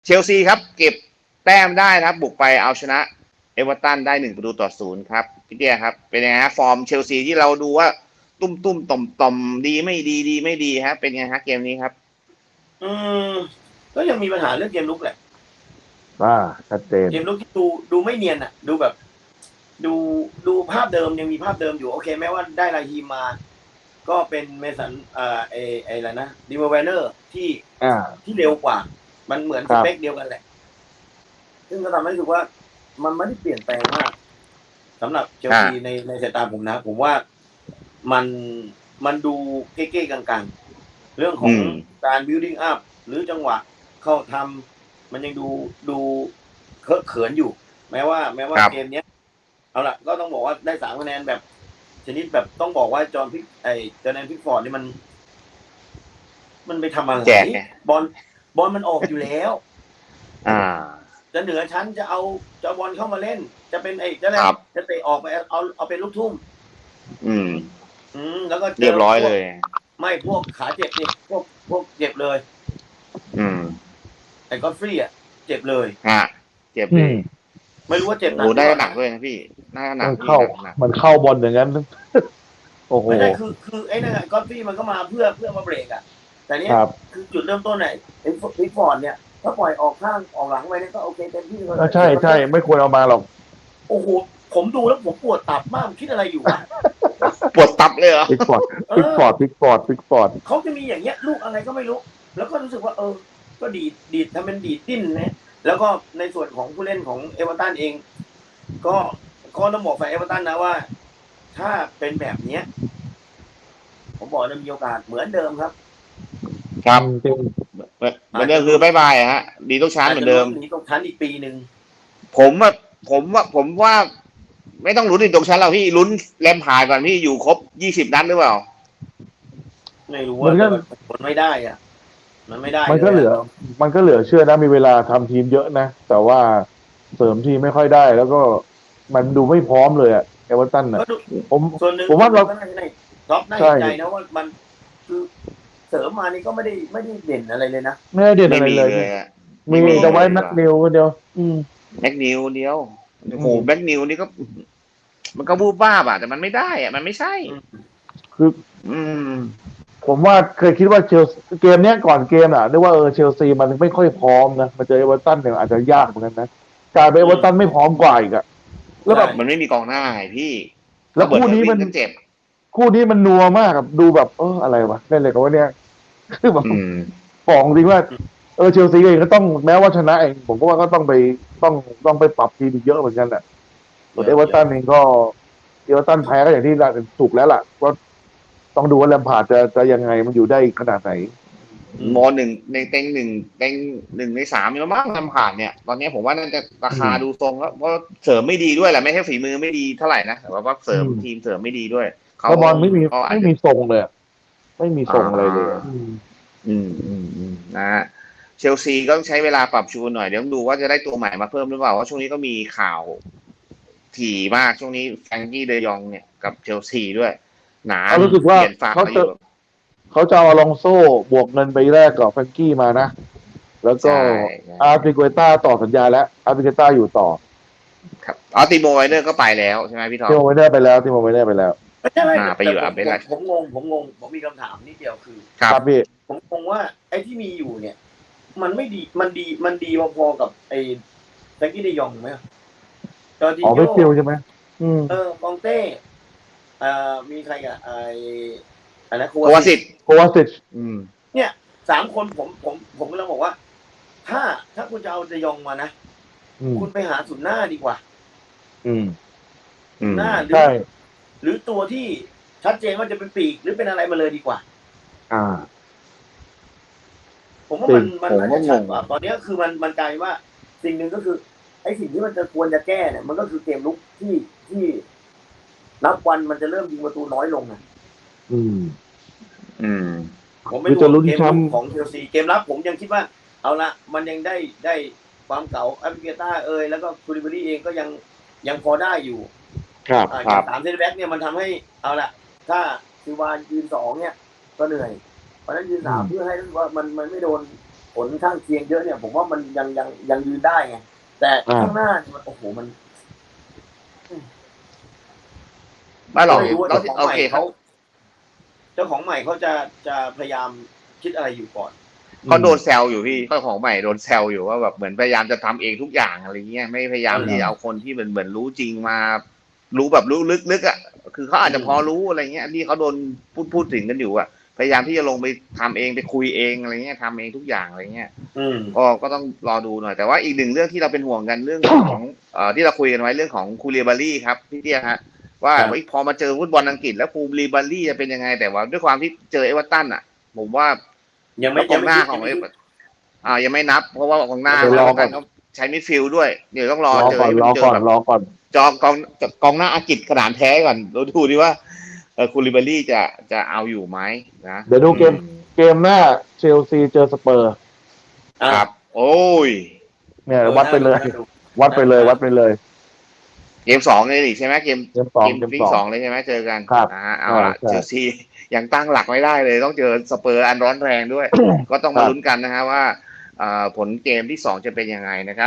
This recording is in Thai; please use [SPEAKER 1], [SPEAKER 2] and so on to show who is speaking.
[SPEAKER 1] เชลซีครับเก็บแต้มได้ครับบุกไปเอาชนะเอเวอร์ตันได้1-0ครับพี่เตี้ยครับเป็นยังไงฮะฟอร์มเชลซีที่เราดูว่าตุ้มต่อมดีไม่ดีดีไม่ดีฮะเป็นไงฮะเกมนี้ครับ
[SPEAKER 2] อืมก็ยังมีปัญหาเรื่องเกมลุกแหละ
[SPEAKER 3] ชัดเจน
[SPEAKER 2] เกมลุกที่ดูไม่เนียนอ่ะดูแบบ ดูภาพเดิมยังมีภาพเดิมอยู่โอเคแม้ว่าได้ลาฮีมมาก็เป็นเมสันอะไรนะดิโมแวนเนอร์ที่เร็วกว่ามันเหมือนสเปคเดียวกันแหละซึ่งก็ทำให้รู้สึกว่ามันไม่ได้เปลี่ยนแปลงมากสำหรับเชลซีในสายตาผมนะผมว่ามันดูเก๊ๆกลางๆเรื่องของการ building up หรือจังหวะเข้าทำมันยังดูเคอะเขินอยู่แม้ว่าเกมเนี้ยเอาล่ะก็ต้องบอกว่าได้3 คะแนนแบบชนิดแบบต้องบอกว่าจอห์นแดนพิกฟอร์ดนี่มันไปทำอะไรบอลมันออกอยู่แล้วจะเหนือชั้นจะบอลเข้ามาเล่นจะเป็นจะเตะออกไปเอาเป็นลูกทุ่มแล้วก็
[SPEAKER 1] เรียบร้อยเลย
[SPEAKER 2] ไม่พวกขาเจ็บนี่พวกเจ็บเลยไอ้ก็ฟรีอ่ะเจ็บเลย
[SPEAKER 1] เจ็บเลย
[SPEAKER 2] ไม่รู้ว่าเจ็บหนัก
[SPEAKER 1] ได้หนักด้วยนะพี่น่าหนัก
[SPEAKER 3] มันเข้าบอลอย่างนั้นโอ้โห
[SPEAKER 2] ไม่ใช่คือไอ้นั่นก็ฟรีมันก็มาเพื่อมาเบรกอ่ะแต่เนี้ยคือจุดเริ่มต้นไหนไอ้พิกฟอร์ดเนี่ยถ้าปล่อยออกข้างออกหลังไปเนี่ยก็โอเคเต็มที่เลย
[SPEAKER 3] ใช่ไม่ควรเอามาหรอก
[SPEAKER 2] โอ้โหผมดูแล้วผมปวดตับมากคิดอะไรอยู่วะ
[SPEAKER 1] ปวดตับเลยเหรอ
[SPEAKER 3] พิกฟอร์ด
[SPEAKER 2] เขาจะมีอย่างเงี้ยลูกอะไรก็ไม่รู้แล้วก็รู้สึกว่าก็ดีดทำเป็นดีดดิ้นนะแล้วก็ในส่วนของผู้เล่นของเอเวอร์ตันเองก็ต้องบอกฝ่ายเอเวอร์ตันนะว่าถ้าเป็นแบบเนี้ยผมบอกจะมีโอกาสเหมือนเดิมครับ
[SPEAKER 1] เหมือนเดิมคือบายฮะดีตกชั้นเหมือนเดิม
[SPEAKER 2] ดีตกชั้นอีกปีนึง
[SPEAKER 1] ผมว่าไม่ต้องลุ้นดีตกชั้นเราพี่ลุ้นแลมพาร์ดก่อนพี่อยู่ครบ20 นัดหรือเปล่า
[SPEAKER 2] ไม่รู้ว่ามันไม่ได้อ่ะมันไม่ได้
[SPEAKER 3] มันก็เหลือเชื่อนะมีเวลาทำทีมเยอะนะแต่ว่าเสริมทีมไม่ค่อยได้แล้วก็มันดูไม่พร้อมเลยอะเอเวอร์ตันอะ
[SPEAKER 2] ผมว่าเราท็อปน่าเห็นใจนะว่ามันคือเสริมมานี่ก็ไม่ได้เด่นอะไรเลยนะ
[SPEAKER 3] ไม่ได้เด่นอะไรเลยมีแต่ไว้แม็กนิวเดียว
[SPEAKER 1] แม็กนิวเดียวโอ้โหแม็กนิวนี่ก็มันก็บูบ้าบ่ะแต่มันไม่ได้อะมันไม่ใช่
[SPEAKER 3] คือผมว่าเคยคิดว่าเกมเนี้ยก่อนเกมอ่ะนึกว่าเชลซีมันไม่ค่อยพร้อมนะมาเจอเอเวอร์ตันเนี่ยอาจจะยากเหมือนกันนะกลายเป็นเอเวอร์ตันไม่พร้อมกว่าอีกอ่ะ
[SPEAKER 1] แล้วแบบมันไม่มีกองหน้าพี่
[SPEAKER 3] แล้วคู่นี้มัน
[SPEAKER 1] เจ็บ
[SPEAKER 3] คู่นี้มันนัวมากครับดูแบบอะไรวะเล่นเลยกับว่าเนี่ยคือแบบบอกจริงว่าเชลซีเองก็ต้องแม้ว่าชนะเองผมก็ว่าก็ต้องไปปรับทีมอีกเยอะเหมือนกันแหละส่วนเอเวอร์ตันเองก็เอเวอร์ตันแพ้ก็อย่างที่ถูกแล้วล่ะว่าต้องดูว่าแลมพาร์ดจะยังไงมันอยู่ได้ขนาดไหน
[SPEAKER 1] ม.1ในเต็ง1ใน 3แล้วมั้งแลมพาร์ดเนี่ยตอนนี้ผมว่าน่าจะราคาดูทรงแล้วเพราะเสริมไม่ดีด้วยแหละไม่ใช่ฝีมือไม่ดีเท่าไหร่นะแต่ว่าเสริมทีมเสริมไม่ดีด้วย
[SPEAKER 3] เขาบอลไม่มีทรงเลยไม่มีทรงอะไรเลย
[SPEAKER 1] นะเชลซีก็ต้องใช้เวลาปรับจูนหน่อยเดี๋ยวดูว่าจะได้ตัวใหม่มาเพิ่มหรือเปล่าว่าช่วงนี้ก็มีข่าวถี่มากช่วงนี้แฟรงกี้เดยองเนี่ยกับเชลซีด้วยหนา
[SPEAKER 3] รู้สึกว่าเขาจะเอาอลองโซ่บวกเงินไปแรกกับแฟรงกี้มานะแล้วก็อาร์ติโกต้าต่อสัญญาแล้วอาร์ติโกต้าอยู่ต่อ
[SPEAKER 1] ครับติโมไวเนอร์ก็ไปแล้วใช่ไหมพี่ทอม
[SPEAKER 3] ติโมไวเนอร์ไปแล้ว
[SPEAKER 1] ไปอยู่ไปแล้ว
[SPEAKER 2] ผมงงผมมีคำถามนิดเดียวคือ
[SPEAKER 3] ครับพี่
[SPEAKER 2] ผมงงว่าไอ้ที่มีอยู่เนี่ยมันไม่ดีมันดีพอๆกับไอ้แฟรงกี้เดยองไหม
[SPEAKER 3] จอร์จิโญ่ไม่ฟิลใช่ไหม
[SPEAKER 2] กองเต้มีใครอ่ะอันนั้น
[SPEAKER 1] โควาซิต
[SPEAKER 2] เนี่ย3 คนผมกำลังบอกว่าถ้าคุณจะเอาเดยองมานะคุณไปหาศูนย์หน้าดีกว่าหน้าหรือตัวที่ชัดเจนว่าจะเป็นปีกหรือเป็นอะไรมาเลยดีกว่าผมว่ามันน่าจะชัดกว่าตอนนี้คือมันกลายว่าสิ่งหนึ่งก็คือไอ้สิ่งที่มันจะควรจะแก้เนี่ยมันก็คือเกมลุกที่นับวันมันจะเริ่มยิงประตูน้อยลงนะผมไม่ดูเกมลุกของเชลซีเกมรับผมยังคิดว่าเอาละมันยังได้ความเก่าอาร์เบต้าแล้วก็คูลิบารีเองก็ยังพอได้อยู่
[SPEAKER 3] ครับ
[SPEAKER 2] 3 เซนต์แบ็กเนี่ยมันทำให้เอาละถ้าซิวายืน2เนี่ยก็เหนื่อยเพราะนั้นยืน3เพื่อให้รู้ว่ามันไม่โดนผลข้างเคียงเยอะเนี่ย ผมว่ามันยังยืนได้ไงแต่ข้างหน้าเนี่ยมันโอ้โหมัน
[SPEAKER 1] ไม่หรอก
[SPEAKER 2] ไม่รู้ว่า
[SPEAKER 1] เรา
[SPEAKER 2] เจ้าของ
[SPEAKER 1] โอ
[SPEAKER 2] ใหม่
[SPEAKER 1] เคครับ
[SPEAKER 2] เจ้าของใหม่เขาจะพยายามคิดอะไรอยู่ก่อน
[SPEAKER 1] เขาโดนแซวอยู่พี่เขาของใหม่โดนแซวอยู่ว่าแบบเหมือนพยายามจะทำเองทุกอย่างอะไรเงี้ยไม่พยายามที่จะเอาคนที่เหมือนรู้จริงมา รู้แบบรู้ลึกๆอ่ะคือเขาอาจจะพอรู้อะไรเงี้ยที่เขาโดนพูดถึงกันอยู่อ่ะพยายามที่จะลงไปทำเองไปคุยเองอะไรเงี้ยทำเองทุกอย่างอะไรเงี้ย ก็ต้องรอดูหน่อยแต่ว่าอีกหนึ่งเรื่องที่เราเป็นห่วงกันเรื่องของที่เราคุยกันไว้เรื่องของคูลิบาลี่ครับพี่เตี้ยฮะว่า
[SPEAKER 2] ครับ
[SPEAKER 1] พอมาเจอฟุตบอลอังกฤษแล้วคูลิบาลี่จะเป็นยังไงแต่ว่าด้วยความที่เจอเอเวอร์ตันอ่ะ ผมว่า
[SPEAKER 2] ยังไม่
[SPEAKER 1] กองหน้าของเอเวอร์ยังไม่นับ เพราะว่ากองหน้าเอเวอร์ตันเขาใช้มิดฟิลด์ด้วยเดี๋ยวต้องรอเจอ
[SPEAKER 3] รอก่อน
[SPEAKER 1] จอกองหน้าอังกฤษขนาดแท้ก่อนเราดูดิว่าคูลิบาลี่จะเอาอยู่ไหมนะ
[SPEAKER 3] เดี๋ยวดูเกมหน้าเชลซีเจอสเปอร์
[SPEAKER 1] ครับ โอ้ย
[SPEAKER 3] เนี่ยวัดไปเลย
[SPEAKER 1] เกม2เลยดิใช่ไหมเกม
[SPEAKER 3] เกม
[SPEAKER 1] สองเลยใช่ไหมเจอกัน
[SPEAKER 3] ครับ
[SPEAKER 1] เอาละ
[SPEAKER 3] ใช่
[SPEAKER 1] เชลซียังตั้งหลักไม่ได้เลยต้องเจอสเปอร์อันร้อนแรงด้วย ก็ต้องมาลุ้นกันนะฮะว่าผลเกมที่2จะเป็นยังไงนะครับ